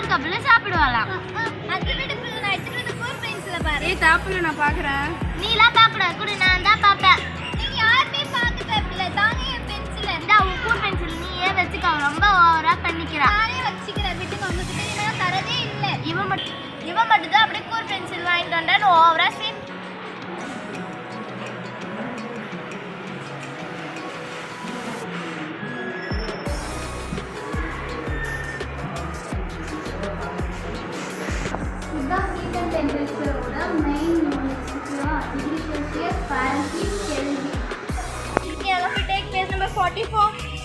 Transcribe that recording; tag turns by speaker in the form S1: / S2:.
S1: கப்பல சாப்பிடுவாளாம்.
S2: அது விட நான் எடுத்துட்டு கூர் பென்சில பாரு.
S3: ஏய் தாப்புல நான் பாக்குறேன்.
S1: நீலாம் பாக்கடா கூட நான் தான் பாப்பேன்.
S2: நீங்க யாருமே பார்க்க தேவையில்ல. தாங்க என் பென்சில.
S1: இந்த கூர் பென்சில் நீயே வச்சுக்க, ரொம்ப ஓவரா பண்ணிக்கிறா.
S2: நானே வச்சுக்கிறேன். விட்டுங்க, உங்ககிட்ட நான் தரதே இல்ல.
S1: இவன் மட்டும் தான் அப்படியே கூர் பென்சில் வாங்கிட்டு வந்தான்னு ஓவரா சீன்.
S2: இதுதான் ஹீட் அண்ட் டெம்பரேச்சரோட main units. Degree Celsius, Fahrenheit, Kelvin.
S1: Okay, let's take page number 44.